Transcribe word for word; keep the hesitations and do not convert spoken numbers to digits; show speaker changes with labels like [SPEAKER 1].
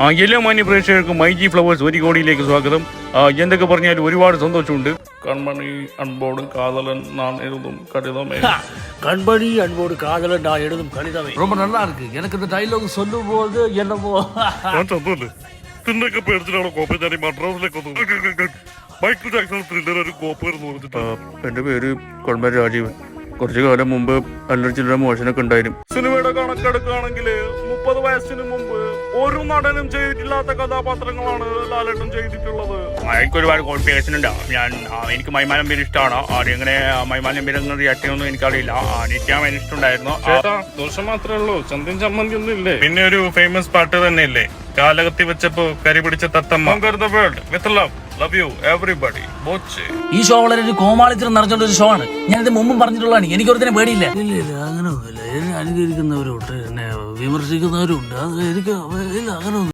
[SPEAKER 1] ആ എല്ലാ മാന്യ പ്രേക്ഷകർക്കും മൈ ജി ഫ്ലവേഴ്സ് ഒരു കോടിയിലേക്ക് സ്വാഗതം. എന്തൊക്കെ പറഞ്ഞാലും ഒരുപാട് സന്തോഷമുണ്ട്. കൺമണി അൻപോട് കാതലൻ நான் எழுதும் கடிதமே.
[SPEAKER 2] கண்பணி அன்போடு காதலன் நான் எழுதும் கடிதமே ரொம்ப நல்லா இருக்கு. எனக்கு இந்த டைலாக் சொல்லும் போது என்னமோ
[SPEAKER 1] തിന്നൊക്കെ പേടിച്ചിട്ടാണോ കോപ്പ ഞാൻ മദ്രാസിലേക്ക് വന്നത്. മൈക്കിൾ ജാക്സൺ ത്രില്ലർ ഒരു കോപ്പ എന്ന് പറഞ്ഞിട്ട്. എന്റെ പേര് കൊൾമൻ രാജീവൻ. കുറച്ചു കാലം മുമ്പ് അല്ലറ ചില്ലറ മോശനൊക്കെ ഉണ്ടായിരുന്നു. സിനിമയുടെ കണക്കെടുക്കുകയാണെങ്കിൽ മുപ്പത് വയസ്സിന് മുമ്പ് ഒരു നടനും ചെയ്തിട്ടില്ലാത്ത കഥാപാത്രങ്ങളാണ് ലാലേട്ടൻ ചെയ്തിട്ടുള്ളത്. എനിക്ക് ഒരുപാട് ക്വാളിഫിക്കേഷൻ ഉണ്ട്. ഞാൻ എനിക്ക് മൈമാനം പേര് ഇഷ്ടമാണ്. എങ്ങനെ മൈമാനം പേര് റിയാക്ട് ചെയ്യുമെന്ന് എനിക്കറിയില്ല. നിത്യാൻ അതിന് ഇഷ്ടമുണ്ടായിരുന്നു. ദോഷം മാത്രമേ ഉള്ളൂ, ചന്ദൻ ചമ്മന്തി ഒന്നും ഇല്ലേ. പിന്നെ ഒരു ഫേമസ് പാട്ട് തന്നെ ഇല്ലേ, കാലകത്തി വെച്ചപ്പോ കരി പിടിച്ച തത്തമ്മ. With love love you everybody.
[SPEAKER 2] ഈ ഷോ വളരെ ഒരു കോമാളിത്തരം നിറഞ്ഞുള്ള ഒരു ഷോ ആണ്. ഞാനിത് മുമ്പും പറഞ്ഞിട്ടുള്ളതാണ്. എനിക്കൊരുത്തിനെ പേടിയില്ല. ഇല്ല ഇല്ല അങ്ങനെ ഒന്നുമില്ല. എന്നെ അനുകരിക്കുന്നവരുണ്ട്, എന്നെ വിമർശിക്കുന്നവരുണ്ട്. അത് എനിക്ക് ഇല്ല അങ്ങനെ